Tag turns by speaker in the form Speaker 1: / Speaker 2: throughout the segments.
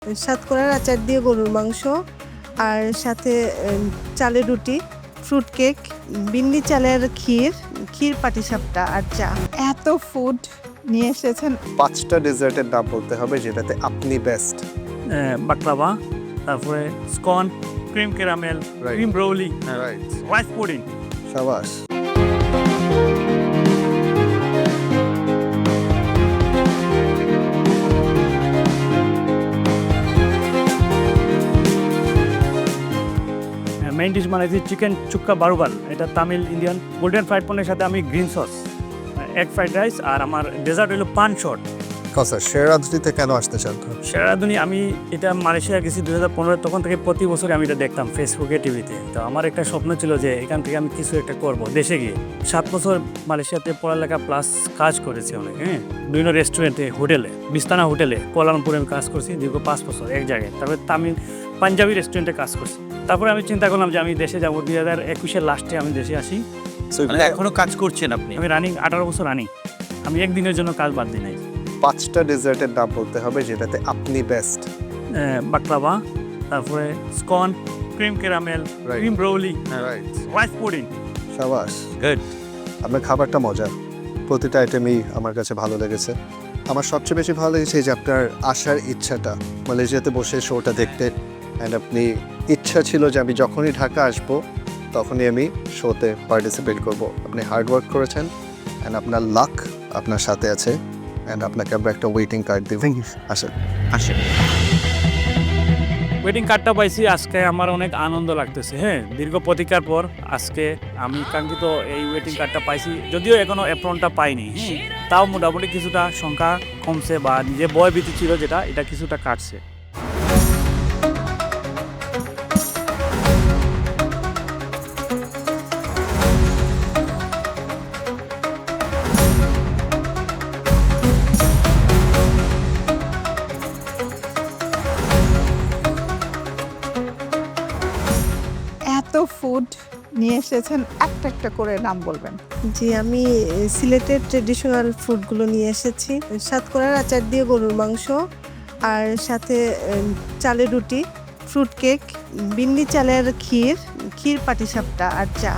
Speaker 1: সাতকরার আচার দিয়ে গরুর মাংস, আর সাথে চালের রুটি, ফ্রুট কেক, বিন্নি চালের ক্ষীর পাটিসাপটা আর চা।
Speaker 2: এত ফুড নিয়ে এসেছেন।
Speaker 3: 5টা ডেজার্টের নাম বলতে হবে যেটাতে আপনি বেস্ট।
Speaker 4: বাকলাভা, তারপরে scone, cream caramel,
Speaker 3: Right.
Speaker 4: Cream brulee,
Speaker 3: right,
Speaker 4: rice pudding.
Speaker 3: সাবাস।
Speaker 4: মেইন ডিশ বানাইছি চিকেন চুক্কা বারুবাল, এটা Tamil Indian golden fried paneer সাথে আমি green sauce, egg fried rice, আর আমার ডেজার্ট হলো পান শট।
Speaker 3: কথা শেরাজদিতে কেন আসতে চান?
Speaker 4: সেরাদুনি আমি এটা মালয়েশিয়া গেছি 2015, তখন থেকে প্রতি বছর আমি এটা দেখতাম ফেসবুকে, টিভিতে। তো আমার একটা স্বপ্ন ছিল যে এখান থেকে আমি কিছু একটা করব দেশে গিয়ে। 7 বছর মালয়েশিয়াতে পড়ালেখা প্লাস কাজ করেছি অনেক, বিভিন্ন রেস্টুরেন্টে, হোটেলে, বিস্তানা হোটেলে কোয়ালালামপুরে আমি কাজ করছি দীর্ঘ 5 বছর এক জায়গায়। তারপরে তামিল পাঞ্জাবি রেস্টুরেন্টে কাজ করছি। তারপরে আমি চিন্তা করলাম যে আমি দেশে যাবো, 2021-এর লাস্টে আমি দেশে আসি।
Speaker 5: মানে এখনো কাজ করছেন আপনি?
Speaker 4: আমি রানিং 18 বছর রানিং, আমি একদিনের জন্য কাজ বাদ দিই নাই।
Speaker 3: 5টা ডেজার্টের নাম বলতে হবে যেটাতে আপনি বেস্ট।
Speaker 4: বাকলাভা, তারপরে scone, cream caramel,
Speaker 3: Right.
Speaker 4: Cream brulee,
Speaker 3: right,
Speaker 4: rice pudding.
Speaker 3: সাবাস।
Speaker 5: গুড।
Speaker 3: আপনার খাবারটা মজা, প্রতিটা আইটেমই আমার কাছে ভালো লেগেছে। আমার সবচেয়ে বেশি ভালো লেগেছে যে আপনার আসার ইচ্ছাটা, মালয়েশিয়াতে বসে শোটা দেখতে। অ্যান্ড আপনি ইচ্ছা ছিল যে আমি যখনই ঢাকা আসবো তখনই আমি শোতে পার্টিসিপেট করব। আপনি হার্ড ওয়ার্ক করেছেন অ্যান্ড আপনার লাক আপনার সাথে আছে। অ্যান্ড আপনাকে আমরা একটা ওয়েটিং কার্ড দিব। আসেন।
Speaker 5: আসেন।
Speaker 4: ওয়েডিং কার্ডটা পাইছি, আজকে আমার অনেক আনন্দ লাগতেছে। দীর্ঘ প্রতীক্ষার পর আজকে আমি কাঙ্ক্ষিত এই ওয়েটিং কার্ডটা পাইছি। যদিও এখনো অ্যাপ্রনটা পাইনি, তাও মোটামুটি কিছুটা সংখ্যা কমছে, বা যে ভয় ভীতি ছিল যেটা, এটা কিছুটা কাটছে।
Speaker 2: এত ফুড নিয়ে এসেছেন, একটা একটা করে নাম বলবেন।
Speaker 1: জি, আমি সিলেটের ট্রেডিশনাল ফুডগুলো নিয়ে এসেছি। সাতকরার আচার দিয়ে গরুর মাংস, আর সাথে চালের রুটি, ফ্রুট কেক, বিন্নি চালের ক্ষীর পাটিসাপটা আর চা।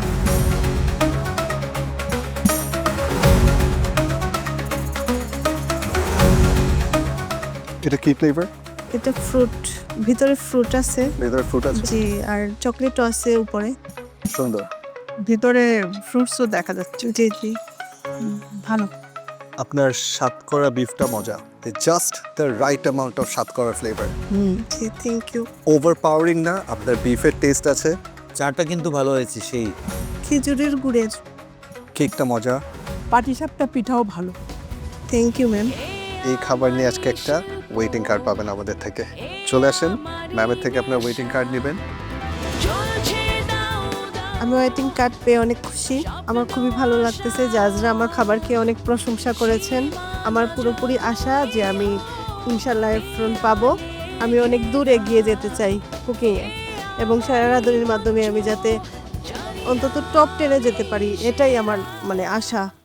Speaker 3: এটা কি ফ্লেভার?
Speaker 1: এটা ফ্রুট, ভিতরে ফ্রুট আছে।
Speaker 3: ভেতরে ফ্রুট আছে,
Speaker 1: জি, আর চকলেটও আছে উপরে।
Speaker 3: সুন্দর।
Speaker 2: ভিতরে ফ্রুটসও দেখা যাচ্ছে।
Speaker 1: জি জি।
Speaker 2: ভালো।
Speaker 3: আপনার সাতকরা বিফটা মজা, just the right amount of satkora flavour.
Speaker 1: জি, থ্যাংক ইউ।
Speaker 3: ওভারপাওয়ারিং না, আপনার বিফের টেস্ট আছে।
Speaker 5: চাটা কিন্তু ভালো হয়েছে সেই।
Speaker 1: খেজুরের গুড়ের।
Speaker 3: কেকটা মজা।
Speaker 2: পাটিসাপটা পিঠাও ভালো।
Speaker 1: Thank you ma'am.
Speaker 3: এই খাবার নিয়ে আজকে একটা ওয়েটিং কার্ড পাবেন আমাদের থেকে। চলে আসেন, ম্যামের থেকে আপনার ওয়েটিং কার্ড নেবেন।
Speaker 1: আমি ওয়েটিং কার্ড পেয়ে অনেক খুশি। আমার খুবই ভালো লাগতেছে, জাজরা আমার খাবার খেয়ে অনেক প্রশংসা করেছেন। আমার পুরোপুরি আশা যে আমি ইনশাল্লাহ এফরন পাবো। আমি অনেক দূর এগিয়ে যেতে চাই কুকিংয়ে, এবং সেরাদুনির মাধ্যমে আমি যাতে অন্তত টপ 10-এ যেতে পারি, এটাই আমার আশা।